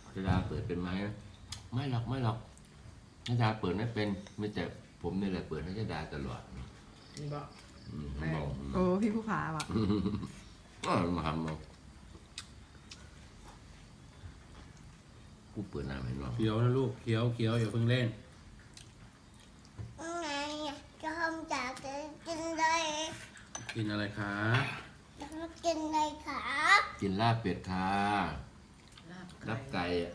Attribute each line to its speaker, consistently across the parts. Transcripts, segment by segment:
Speaker 1: จะดาเปิดเป็นไหมไม่หรอกไม่หรอกจะดาเปิดไม่เป็นไม่แต่ผมนี่แหละเปิดให้จะดาตลอด
Speaker 2: บอก
Speaker 1: ผมบอก
Speaker 3: โอ้พี่ผู้ขาว่ะ
Speaker 1: ก็มาทำเอาผู้เปิดน้ำให้น้อง
Speaker 4: เขียวนะลูกเขียวอย่าเพิ่งเล่น
Speaker 5: ไงจะทำจากกินเลย
Speaker 4: กินอะไรคะ
Speaker 5: จะกินเลยค่ะ
Speaker 1: กินลาบเป็ดค่ะ
Speaker 2: ลาบ
Speaker 1: ลาบไก่อะ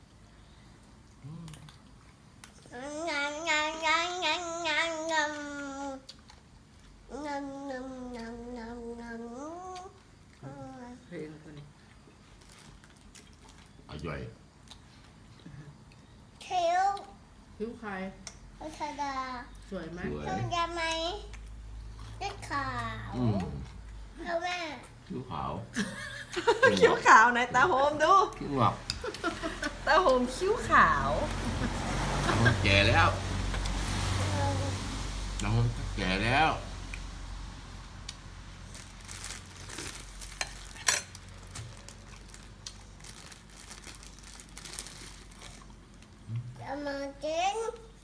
Speaker 5: งานงานงานงานงานงานงานงานงานงานงาน
Speaker 2: เพลงคนนี้
Speaker 1: อร่อย
Speaker 5: เที่ยว
Speaker 2: ผิวใคร
Speaker 5: พัทดา
Speaker 2: สวยไหม
Speaker 1: สวย
Speaker 5: เที่ยวจะไหมได้ข่าว
Speaker 1: อืม
Speaker 5: เขาแม่
Speaker 1: คิ้วขาว
Speaker 3: คิ้วขาวไหนตาโฮมดู
Speaker 1: คิ้วหงอก
Speaker 3: ตาโฮมคิ้วขาว
Speaker 1: เราแก่แล้วเราแก่แล้ว
Speaker 5: จะมากิน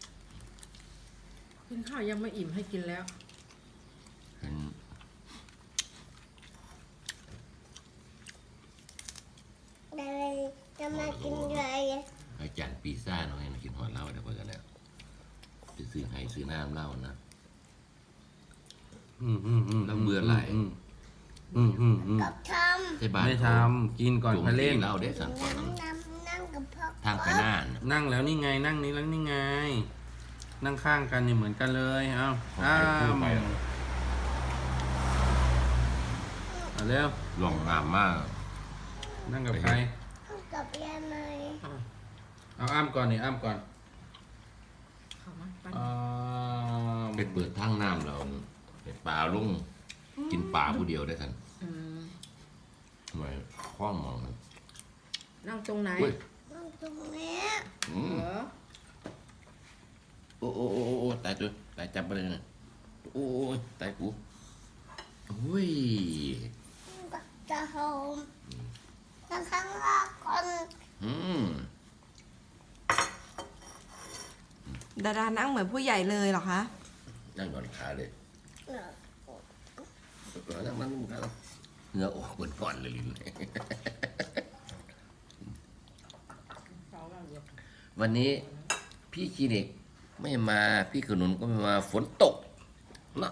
Speaker 2: กินข้าวยังไม่อิ่มให้กินแล้ว
Speaker 1: เห็น
Speaker 5: เลยจะมากินเลย
Speaker 1: อาจารย์ปีซ่าน้องให้มากินหอดเหล้าเดี๋ยวพอกันแล้วจะซื้อให้ซื้อน้ำเหล้านะ แล้วเบื่อหลาย
Speaker 5: กับท
Speaker 1: ใช่บ้าน
Speaker 4: ไม่ทำกินก่อนไปเล่น
Speaker 1: เหล้าได้สั่ง
Speaker 5: ำ
Speaker 1: ก่อน
Speaker 5: นั่งกับพ่อ
Speaker 1: ทางไปหน้าน่ะ
Speaker 4: นั่งแล้วนี่ไงนั่งนี้แล้วนี่ไง นั่งข้างกันนี่เหมือนกันเลยเอา
Speaker 1: ไปคู่ไป
Speaker 4: เอาเร็ว
Speaker 1: หลงงามมาก
Speaker 4: นั่งกับใคร
Speaker 5: กับยายไหม
Speaker 4: เอาอ้ำก่อนนี่อ้ำก่อน
Speaker 2: เข้ามาไป
Speaker 4: อ้าว
Speaker 1: ไปเปิดทางน้ำเราไปปลาลุงกินปลาผู้เดียวได้ทัน
Speaker 2: อืม
Speaker 1: ทำไมข้อมองมัน
Speaker 2: นั่งตรงไหน
Speaker 1: อุ้ย
Speaker 5: นั่งตรงนี้
Speaker 1: อืม
Speaker 2: เหรอ
Speaker 1: โอ้ตายตัวตายจับไปเลยนะโอ้ยตายกูอุ้ย
Speaker 5: กับจะโฮมนั่งข้างล่างก่อน
Speaker 1: อืม
Speaker 3: ดาดานั่งเหมือนผู้ใหญ่เลยเหรอคะ
Speaker 1: นั่งนอนขาเลย
Speaker 5: เนอะ
Speaker 1: นั่งขาเนื้อออกบนก่อนเลยลิ้น
Speaker 2: เขาว่าเดี๋ยว
Speaker 1: วันนี้พี่คลินิกไม่มาพี่ขนุนก็ไม่มาฝนตกนะ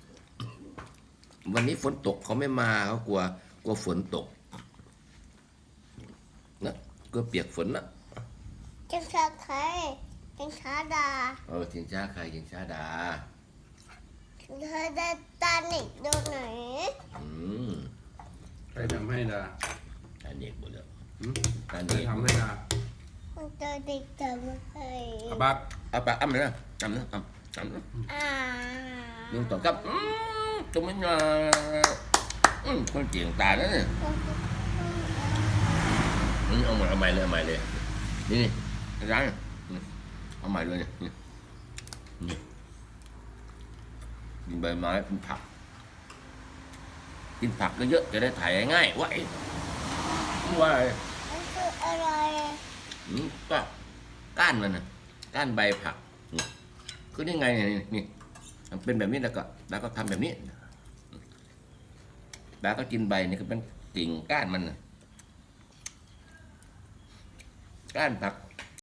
Speaker 1: วันนี้ฝนตกเขาไม่มาเขากลัวฝนตกนะกลัวเปียกฝนนะ
Speaker 5: จะชาใครจะชาดา
Speaker 1: ชิงช้าใครชิงช้าดา
Speaker 5: เธอได้ตาหนิกดูไหน
Speaker 1: อืม
Speaker 4: ใครทำให้ดา
Speaker 1: ตาเด็กหมดแล้ว
Speaker 4: หืม
Speaker 1: ตา
Speaker 4: ใคร
Speaker 1: เด็ก
Speaker 4: ทำให้ดา
Speaker 5: มันเจอเด็กเจอให้
Speaker 4: อาบัก
Speaker 1: เอาปากอ้ำเลยนะอ้ำนะอ้ำนะ
Speaker 5: อ่า
Speaker 1: ลุงต่อครับตรงนี้นะคนเจียงตาแล้วเนี่ยนี่เอาใหม่เลยนี่ร้านเอาใหม่เลยเนี่ยนี่กินใบไม้กินผักกินผักก็เยอะจะได้ถ่ายง่ายว่าว่า
Speaker 5: มันคืออะไร
Speaker 1: ก็ก้านมันนะก้านใบผักนี่คือนี่ไงนี่มันเป็นแบบนี้แล้วก็ทำแบบนี้แล้วก็กินใบนี่คือเป็นกิ่งก้านมันนะก้านผัก